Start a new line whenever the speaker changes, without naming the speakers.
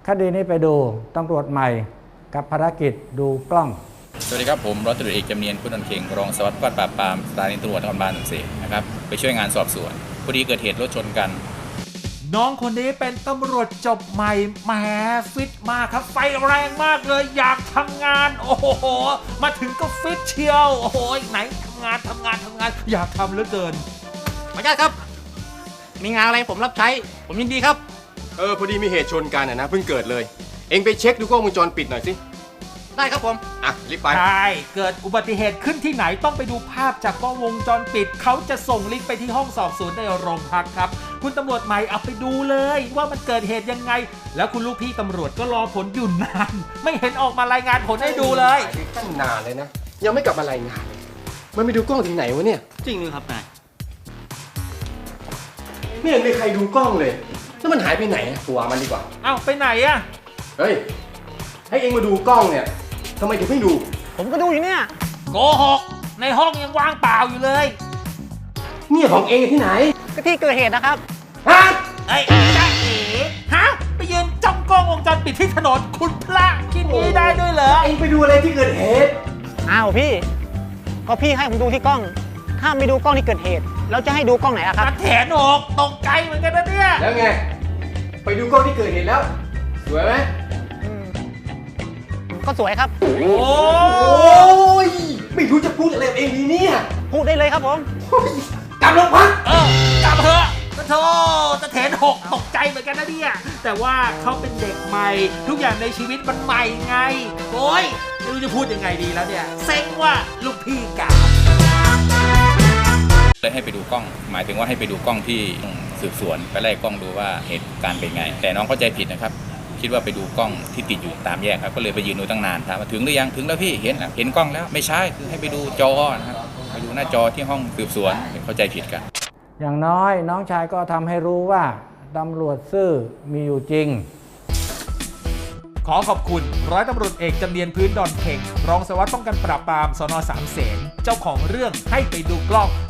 คดีนี้ไปดูตำรวจใหม่กับภารกิจดูกล้อง
สวัสดีครับผมร้อยตำรวจเอกจำเนียนพุทธนนท์เข่งรองสารวัตรป้องกันปราบปรามสถานีตำรวจนครบาล14นะครับไปช่วยงานสอบสวนพอดีเกิดเหตุรถชนกัน
น้องคนนี้เป็นตำรวจจบใหม่แหมฟิตมากครับไฟแรงมากเลยอยากทำงานโอ้โหมาถึงก็ฟิตเชียวโอ้โหไหนทำงานอยากทำเหลือเกิน
ขออนุญาตครับมีงานอะไรผมรับใช้ผมยินดีครับ
พอดีมีเหตุชนกันนะเพิ่งเกิดเลยเอ็งไปเช็คดูกล้องวงจรปิดหน่อยสิ
ได้ครับผม
รีบไป
ใช่เกิดอุบัติเหตุขึ้นที่ไหนต้องไปดูภาพจากกล้องวงจรปิดเขาจะส่งลิงก์ไปที่ห้องสอบสวนในโรงพักครับคุณตำรวจใหม่เอาไปดูเลยว่ามันเกิดเหตุยังไงแล้วคุณลูกพี่ตำรวจก็รอผลอยู่นานไม่เห็นออกมารายงานผลให้ดูเลย
ตั้งนานเลยนะยังไม่กลับมารายงานมันไปดูกล้องที่ไหนวะเนี่ย
จริงเลยครับนาย
ไม่เห็นมีใครดูกล้องเลยแล้วมันหายไปไหนตัวมันดีกว่า
เอ้าไปไหนอะ
เฮ้ยให้เอ็งมาดูกล้องเนี่ยทำไมถึงไม่ดู
ผมก็ดูอยู่เนี่ย
โกหกในห้องยังว่างเปล่าอยู่เลย
เนี่ยของเอ็งที่ไหน
ก็ที่เกิดเหตุนะครับ
ฮะ
ไอ้จ้าเอ๋ฮะไปยืนจ้องกล้องวงจรปิดที่ถนนคุณพระคิดนี้ได้ด้วยเหรอ
เอ็งไปดูอะไรที่เกิดเหตุ
อ้าวพี่ก็พี่ให้ผมดูที่กล้องถ้าไม่ดูกล้องที่เกิดเหตุแล้วจะให้ดูกล้องไหนล่ะครับ
แถนอกตกใจเหมือนกันนะเนี่ย
แล้วไงไปดูกล้องที่เกิดเหตุแล้วสวยไหม
ก็สวยครับ
โอ้ยไม่รู้จะพูดอะไรเองดีเนี่ย
พูดได้เลยครับผม
กลับโรงพัก
กลับเถอะโธ่ตะเถนหกตกใจเหมือนกันนะเนี่ยแต่ว่าเขาเป็นเด็กใหม่ทุกอย่างในชีวิตมันใหม่ไงโอ้ยไม่รู้จะพูดยังไงดีแล้วเนี่ยเซ็งว่าลูกพี่กา
เลยให้ไปดูกล้องหมายถึงว่าให้ไปดูกล้องที่สืบสวนไปไล่กล้องดูว่าเหตุการณ์เป็นไงแต่น้องเข้าใจผิดนะครับคิดว่าไปดูกล้องที่ติดอยู่ตามแยกครับก็เลยไปยืนดูตั้งนานถามว่าถึงหรือยังถึงแล้วพี่เห็นกล้องแล้วไม่ใช่คือให้ไปดูจอนะครับไปดูหน้าจอที่ห้องสืบสวนเข้าใจผิดกัน
อย่างน้อยน้องชายก็ทำให้รู้ว่าตำรวจซื่อมีอยู่จริง
ขอขอบคุณร้อยตำรวจเอกจำเนียนพื้นดอนเข่งรองสารวัตรป้องกันปราบปรามสน.3 เสนเจ้าของเรื่องให้ไปดูกล้อง